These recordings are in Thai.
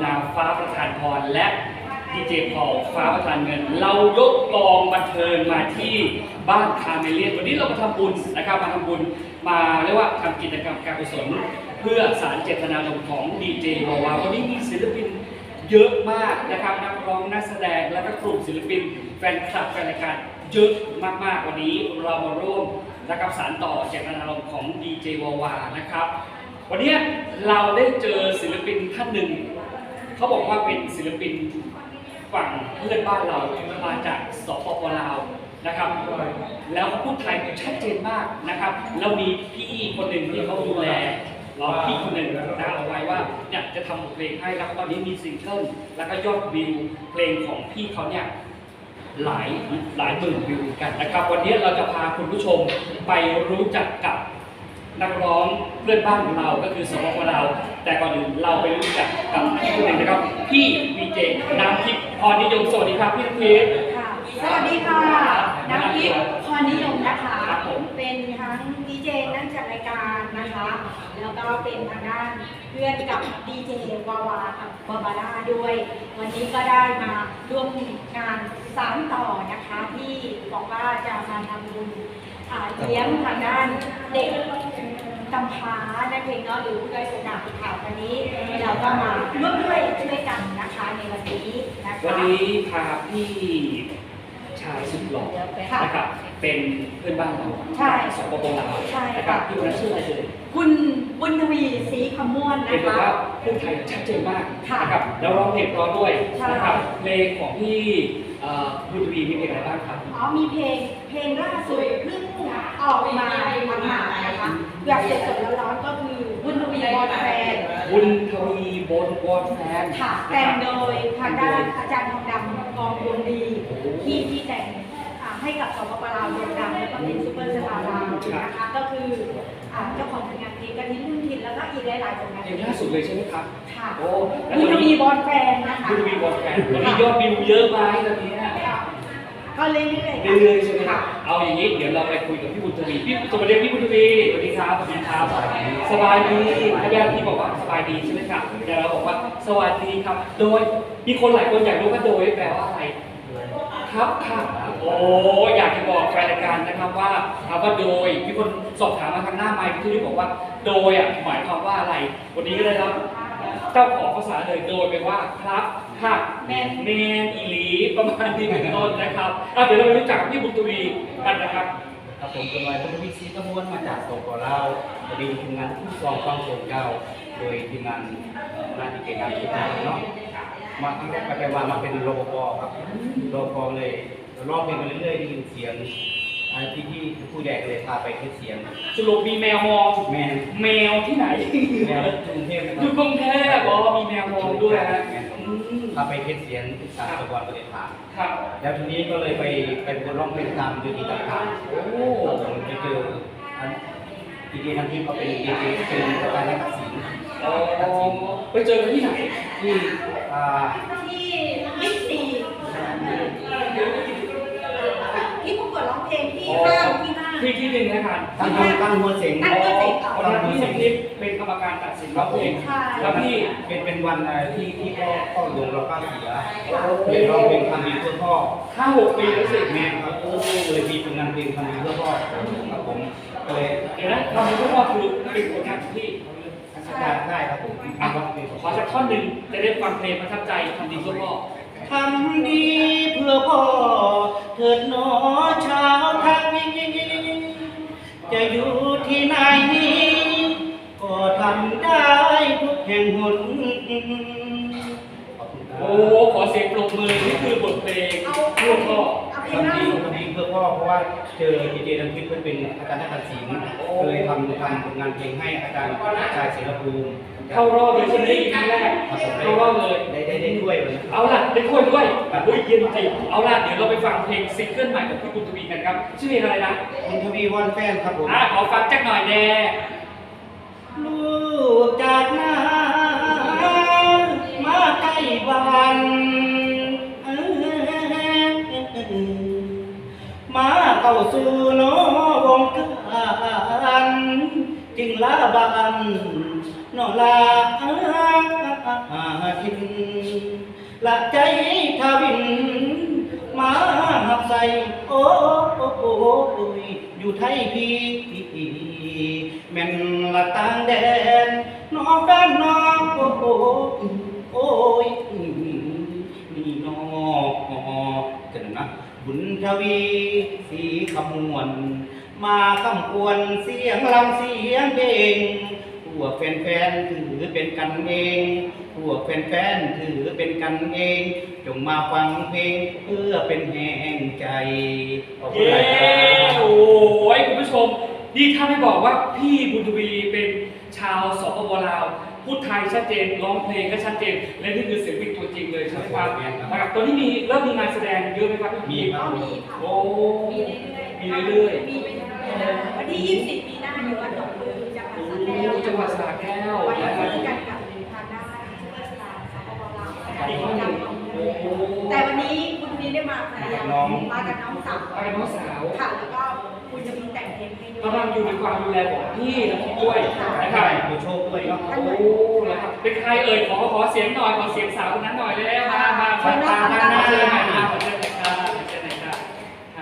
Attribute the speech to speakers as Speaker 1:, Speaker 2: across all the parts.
Speaker 1: นาฟ้าประทานพรและดีเจพอลฟ้าประทานเงินเรายกกองบันเทิงมาที่บ้านคาเมเลียนวันนี้เรามาทำบุญนะครับมาทำบุญมาเรียกว่าทำกิจกรรมการกุศลเพื่อสารเจตนารมณ์ของดีเจวาวาวันนี้มีศิลปินเยอะมากนะครับนักร้องนักแสดงและก็กลุ่มศิลปินแฟนคลับแฟนรายการเยอะมากๆวันนี้เรามาร่วมนะครับสารต่อเจตนารมณ์ของดีเจวาวานะครับวันนี้เราได้เจอศิลปินท่านหนึ่งเขาบอกว่าเป็นศิลปินฝั่งเพื่อนบ้านเรามาจากสปป.ลาวนะครับแล้วเขาพูดไทยชัดเจนมากนะครับแล้วมีพี่คนหนึ่งที่เขาดูแลเราพี่คนหนึ่งนะเอาไว้ว่าเนี่ยจะทำเพลงให้แล้วตอนนี้มีซิงเกิลแล้วก็ยอดวิวเพลงของพี่เขาเนี่ยหลายหมื่นวิวกันนะครับวันนี้เราจะพาคุณผู้ชมไปรู้จักกับนักร้องเพื่อนบ้านของเราก็คือสปป.ลาวแต่ก่อนอื่นเราไปรู้จักกับพี่คนหนึ่งนะครับพี่วีเจน้ำทิพย์พรนิยมสวัสดีครับพี่น้ำทิพย์
Speaker 2: สวัสดีค่ะน้ำทิพย์พรนิยมนะคะเป็นทั้งดีเจนั่งจัดรายการนะคะแล้วก็เป็นทางด้านเพื่อนกับดีเจวาวากับบาบาร่าด้วยวันนี้ก็ได้มาร่วมงานสานต่อนะคะที่บอกว่าจะมาทำบุญเลี้ยงทางด้านเด็กกำพร้านั่นเองเนาะหรือผู้ด้อยโอกาสข่าววันนี้เราก็มาร่วมด้วยช่วยกันนะคะในวันนี้นะคะ
Speaker 1: วันนี้พาพี่ชายสุดหล่อนะครับเป็นเพื่อนบ้านเราสปป.ลาวนะครับพี่คนนั้นชื่ออะไรเอ่ย
Speaker 2: คุณบุญทวีศรีคำม่วนนะคะ
Speaker 1: เป็นแบบว่าพูดไทยชัดเจนมากนะครับแล้วร้องเพลงร้องด้วยนะครับเพลงของพี่บุญทวีมีเพลงอะไรบ้างครับ
Speaker 2: มีเพลงล่าสุดเพิ่งออกมาหมาดๆนะคะแบบสดๆร้อนๆก็คือบุญทวีบอลแฟน
Speaker 1: บุญทวีบอลแฟน
Speaker 2: ค่ะแต่งโดยทางด้านอาจารย์ทองดำกองดวงดีที่แต่งให้กับสปป.ลาวดวงดำแล้วก็เป็นซุปเปอร์สตาร์ลาวนะคะก็คือเจ้าของผลงานเพลงกระทิ้งรุ่นทินแล้วก็อีกหลายๆผลงาน
Speaker 1: เพลงล่าสุดเลยใช่ไหมครับ
Speaker 2: ค่ะบุญทวีบอลแฟนนะคะ
Speaker 1: บุญทวีบอลแฟนตอนนี้ยอดวิวเยอะไหมตอนนี้
Speaker 2: ก็เรื่อย
Speaker 1: ๆใช่ไหมครับเอาอย่างนี้เดี๋ยวเราไปคุยกับพี่บุญทวีพี่สวัสดีพี่บุญทวีสวัสดีครับสวัสดีครับสบายดีพยาที่บอกว่าสบายดีใช่ไหมครับแต่เราบอกว่าสวัสดีครับโดยมีคนหลายคนอยากรู้ว่าโดยแปลว่าอะไรครับค่ะโอ้อยากจะบอกแฟนรายการนะครับว่าถามว่าโดยมีคนสอบถามมาทางหน้าไมค์ที่บอกว่าโดยหมายความว่าอะไรวันนี้ก็เลยครับเจ้าของภาษาเลยโดยแปลว่าครับค่ะแมนอีหลีประมาณนี้เป็นต้นนะครับเดี๋ยวเราไปรู้จักพี่บุญทวีกันนะครับ
Speaker 3: ครับผมเป็นวัยบุญทวีศรีคำม่วนมาจากสปป.ลาวพอดีทีมงานผู้กองฟังโซนเก่าโดยทีมงานดีเจน้ำทิพย์เนาะมาครั้งแรกไปว่ามาเป็นรปภครับรปภเลยร้องเพลงมาเรื่อยๆได้ยินเสียงที่ผู้ใหญ่เลยพาไปเทสเสียง
Speaker 1: สรุปมีแมวมองแมวที่ไหน
Speaker 3: แมวกรุงเทพนะครับ
Speaker 1: อยู่กรุงเทพมีแมวมองด้วยฮะ
Speaker 3: พาไปเทสเสียงสารตะวันประเทศไทย
Speaker 1: ครับ
Speaker 3: แล้วทีนี้ก็เลยไปเป็นร้องเพลงตามยูทูบต่างๆผมไปเจอดีเจน้ำทิพย์ก็เป็นดีเจเป็นประธานนักศิลป์
Speaker 1: ไปเจอกันที่ไหน
Speaker 3: ที่
Speaker 2: บิ๊กซีที่ประกวดร้องเพลงที่ห้าง
Speaker 1: ที่หนึ่งนะครับ
Speaker 3: ตั้งหัวเสียง
Speaker 1: วันนั้นพี่น้ำทิพย์เป็นกรรมการตัดสินร้องเพลงแล้วพี่
Speaker 3: เป็นวันที่พ่อหลวงเราป้าเสียเป็นร้องเพลงทำดีเพื่อพ่อ
Speaker 1: 5-6 ปีแล้วสิ
Speaker 3: แม่ครับเลยมีผลงานเพลงทำดีเพื่อพ่อครับผมเลย
Speaker 1: เดี๋ยวนะทำดีเพื่อพ่อคือเป็นผลงานที่
Speaker 3: ได้ครับผม
Speaker 1: ขอสักท่อนหนึ่งจะได้ฟังเพลงประทับใจทำดีเพื่อพ่อ
Speaker 3: ทำดีเพื่อพ่อเถิดหนอชาวไทยจะอยู่ที่ไหนก็ทำได้ทุกแห่งหน
Speaker 1: โอ้ขอเสียงปรบมือนี่คือบทเพลงเพื่อพ่อ
Speaker 3: ทำดีเพื่อพ่อเพราะว่าเจอดีเจน้ำทิพย์เป็นอาจารย์นักศิลป์เลยทำผลงานเพลงให้อาจารย์ชายศิลปูมิ
Speaker 1: เข้ารอบเลยใช่ไหมครั้งแรกเข้ารอบเลย
Speaker 3: ได้ถ้วยเลย
Speaker 1: เอาล่ะได้ถ้วยด้วยอุ้ยเย็นจริงเอาล่ะเดี๋ยวเราไปฟังเพลงซิงเกิลใหม่ของพี่บุญทวีกันครับชื่อเพลงอะไรนะ
Speaker 3: บุญทวีวอนแฟนครับผม
Speaker 1: ขอฟังจักหน่อยแน่
Speaker 3: ลูกจากนามาใกล้บ้านมาเข้าสู่โนวงการจึงลาบ้านนอลาเททินละใจทวินมาหับใส่โอ้ยอยู่ไทยพี่แม่นละต่างแดนนอกด้านนอกโอ้ยนี่นอกกันนะบุญทวีสีคำมวลมาคำกวนเสียงลำเสียงเพลงพวกแฟนๆถือเป็นกันเองพวกแฟนๆถือเป็นกันเองจงมาฟังเพลงเพื่อเป็นแห่งใจขอบคุณ
Speaker 1: เย้
Speaker 3: หลายครับ
Speaker 1: โอ้ยคุณผู้ชมนี่ถ้าไม่บอกว่าพี่บุญทวีเป็นชาวสปปลาวพูดไทยชัดเจนร้องเพลงก็ชัดเจนและนี่คือศิลปินตัวจริงเลยใช่ไหมครับนะครับตอนนี้เริ่มมีงานแสดงเยอะไหมครับพี่
Speaker 3: มีครับ
Speaker 2: ก็มีค่ะ
Speaker 1: โอ้
Speaker 2: มีเรื่อยๆมีไปเรื่อยๆวันที่20มีนาอยู่วัดหนองลือจังหวัดสระแก้ว
Speaker 1: จังหวัดสระแก้ว
Speaker 2: ไป
Speaker 1: นะครับ
Speaker 2: คุยกันกับทางด้านผู้ราชการสปปลาว
Speaker 1: อีกคนหนึ่งโอ้โห
Speaker 2: แต่วันนี้คุณนี้ได้มาภรรยามากับน้องสาว
Speaker 1: ไปกับน้องสาว
Speaker 2: ค่ะแล้วก็คุณจะมีแต่งเพลงให้ด้วย
Speaker 1: กำลังอยู่ในความดูแลของพี่นะพี่ด้วยนะค
Speaker 3: ใช่
Speaker 1: รับ
Speaker 3: ผู้โชคด้วยเนาะ
Speaker 1: โอ้นะครับเป็นใครเอ่ยขอเสียงหน่อยขอเสียงสาวคนนั้นหน่อยเลยมาตามหน้าเลยมาเชิญเลยครับเชิญเลยครับค่ะ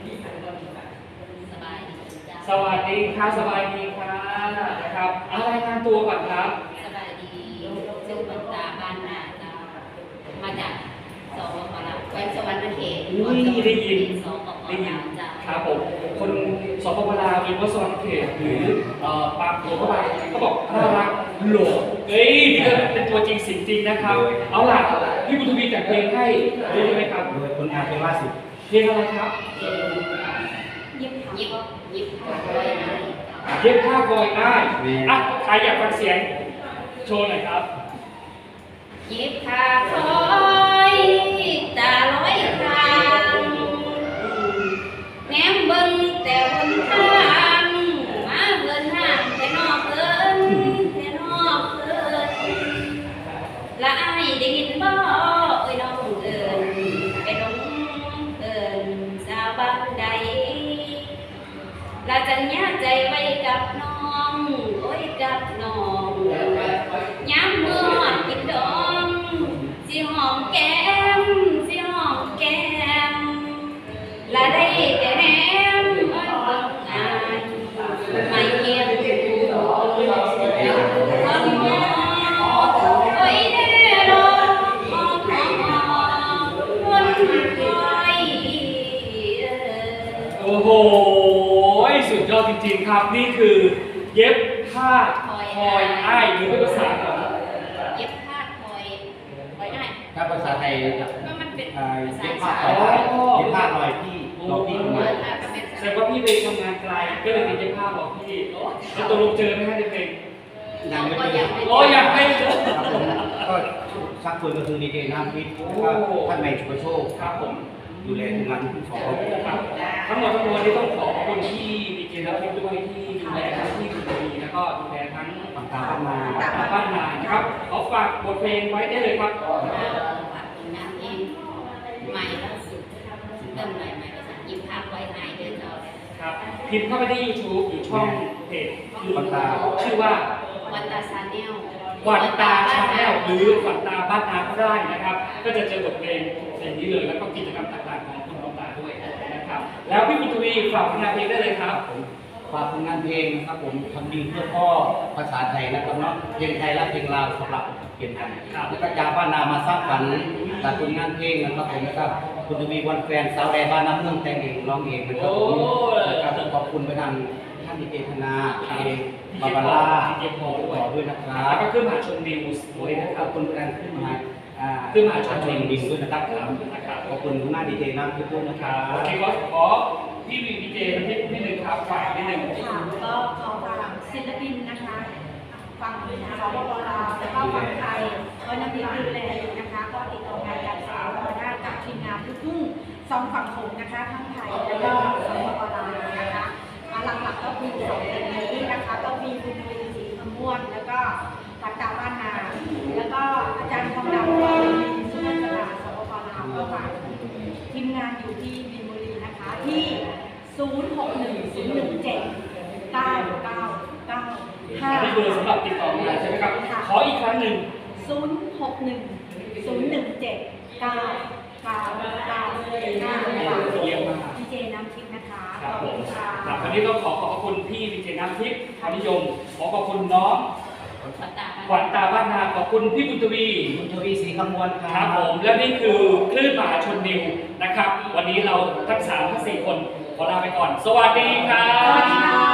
Speaker 1: สวัสดีค่ะสบายดีค่ะนะครับเอารายงานตัวก่อนครับ
Speaker 4: สบายดีซึ่งบรรดาบ้านนาจ้ามาจากสปปลาวแขวงสวรรณเขต
Speaker 1: อุ้ยได้ยิน
Speaker 4: สปป
Speaker 1: ได้ยิ
Speaker 4: ลาน วจ้า
Speaker 1: ครับผมคนสปปลาวหรือว่าสวรรณเขตหรือปากหัวเข้าไปก็บอกน่ารักหล่อเอ้ยนี่ก็เป็นตัวจริงสิ่งจริงนะครับเอาล่ะพี่บุญทวีแต่งเพลงให้ด้วยไหมครับ
Speaker 3: โดยคนงานเป็นล่าสุด
Speaker 1: เพลงอะไรครับ
Speaker 2: ยิบ
Speaker 4: ยิบยิบขาไว้นะ
Speaker 1: เย็บผ้าคอยได้อ่ะใครอยากฟังเสียงโชว์หน่อยครับ
Speaker 4: ยิบขาคอยตาลอยทางแง้มเบิ่งแต่บนทางมาเบิ่นห่างแต่นอกเพิ่นแต่นอกเพิ่นละอายได้ยินบ่เอ้ยน้องเอิ้นไปน้องเอิ้นสาวบ้านใดละจัญญาใจไว้กับน้องโอ้ยกับน้องย้ำเมื่อกินดองสิหอมแก้มสิหอมแก้มละได้แต่แนมเบิ่งอายไม่เกี่ยงคนมองโอ้ยแน่นอนคนคอย
Speaker 1: โอ้โหสุดยอดจริงๆครับ นี่คือเย็บผ้าคอยอ้ายหรือเป็นภาษาของ
Speaker 4: เย็บผ้าคอยไว้ได้
Speaker 3: ถ้าภาษาไทย
Speaker 4: ว่ามันเป็น
Speaker 3: เย็บผ้าต่อยเย็บผ้าลอยพี่เราพี่มา
Speaker 1: แสดงว่าพี่ไปทำงานไกลก็เลยไปเย็บผ้าบอกพี่แล้วตกลงเจอไหมฮะในเพลง
Speaker 3: ยังไม่เจอ
Speaker 1: โอ้อยากให้เจอ
Speaker 3: ครับผมก็ชักชวนก็คือดีเจน้ำพิษท่านในชุกโชค
Speaker 1: ครับผม
Speaker 3: ดูแลทีมงานทุกสองคน
Speaker 1: ครับทั้งหมดทั้งมวลที่ต้องขอบคุณที่ดีเจแล้วที่ด้วยที่ดูแลทั้งที่คุณดีแล้วก็ดูแลทั้ง
Speaker 3: ต่างๆมา
Speaker 1: บ้านนานะครับขอฝากบทเพลงไว้ได้เลยครับ
Speaker 4: ฝากผลงานเองใหม่ล่าสุดเริ่มใหม่ภาษายิบผ้าไว้หายเดินเอาเลย
Speaker 1: ครับพิมพ์เข้าไปที่ YouTube หรือช่องเพจคือ
Speaker 3: วันตา
Speaker 1: ชื่อว่า
Speaker 4: วันตาซาแนล
Speaker 1: ขวัญตาชาแนลหรือขวัญตาบ้านนาก็ได้นะครับ ก็จะเจอบทเพลงนี้เลยแล้วก็กิจกรรมต่างๆของคุณขวัญตาด้วยนะครับ แล้วพี่บุญทวีฝากผลงานเพลงได้เลยครับ
Speaker 3: ฝากผลงานเพลงนะครับผมทำดีเพื่อพ่อภาษาไทยนะครับเนาะเพลงไทยและเพลงลาวสำหรับเปลี่ยนกันแล้วก็จากบ้านนามาสร้างฝันจากผลงานเพลงนะครับผมนะครับคุณทวีวันแฟนสาวแดบ้านน้ำเมืองแต่งเองร้องเองนะครับผมนะครับขอบคุณไปทางท่านดีเจธนาเองบาบาร่าขอด้วยนะครั
Speaker 1: แล้ว
Speaker 3: บ
Speaker 1: ก็ขึ้นมหาชนนิวส์ด้วยนะค
Speaker 3: ข
Speaker 1: รั
Speaker 3: อ
Speaker 1: บบ
Speaker 3: คุณการขึ้นมา
Speaker 1: ขึ้นมาชม
Speaker 3: ชมดินด้วยนะครับ
Speaker 1: นะครับ
Speaker 3: ขอบคุณคุณหน้าดีเจน้ำพี่ปุ้นนะครับ
Speaker 1: โอเคขอพี่วีดีเจนิดนึงครับฝากนิดนึง
Speaker 2: ค่ะก็ขอฝากศิลปินนะคะฝั่งสปปลาวแล้วก็ฝั่งไทยก็นำทีมดูแลอยู่นะคะก็ติดต่องานการสาวมาได้กับทีมงานลูกทุ่งสองฝั่งโขงนะคะทั้งไทยแล้วก็สปปลาวนะคะหลักๆก็คือสองคนนี้นะคะก็มีคุณวีศรีคำม่วนแล้วก็ปัตตาบ้านนาแล้วก็อาจารย์ทองดำก็มีสุนันทนาสปปลาวก็ฝากทีมงานอยู่ที่บินบุรีนะคะที่ 0610179995
Speaker 1: นี่คือสำหรับติดต่องานใช่ไหมครับ ขออีกครั้งหนึ่ง
Speaker 2: 0610179995
Speaker 1: เยี่ยมมาก
Speaker 2: ดีเจน้ำทิพย์นะคะ
Speaker 1: ครับผม
Speaker 2: ค่ะ
Speaker 1: ครับวันนี้ก็ขอบคุณพี่ดีเจน้ำทิพย์ความนิยมขอบคุณน้อง
Speaker 4: ปัตตา
Speaker 1: ขวัญตาบ้านนาขอบคุณพี่บุญทวี
Speaker 3: คุณทวีศรีคำมวลค
Speaker 1: ค
Speaker 3: รั
Speaker 1: รั
Speaker 3: บบ
Speaker 1: ผมและนี่คือคลื่นมหาชนนิวนะครับ วันนี้เราทั้ง3ทั้ง4คนขอลาไปก่อน สวัสดีครับ
Speaker 2: สวัสดีค่ะ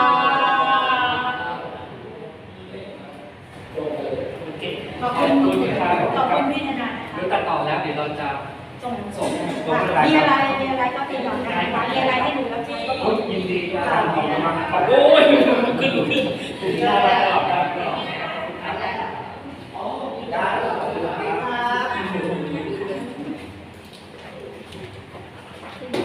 Speaker 1: โอเค
Speaker 2: ขอบคุณ
Speaker 1: ครับ
Speaker 2: ขอบคุณพี่ธนานะ
Speaker 1: เดี๋ยว
Speaker 2: คะ
Speaker 1: ตัดต่อแล้วเดี๋ยวเราจะ
Speaker 2: ส่งมีอะไรก็ติดต่อได้ค่ะมีอะไรให้หนูรับใช้ก็บ
Speaker 1: โอ้
Speaker 2: อก
Speaker 1: ยยินดีครับขอบคุณมากครับโอ้ยขึ้นน่ารัก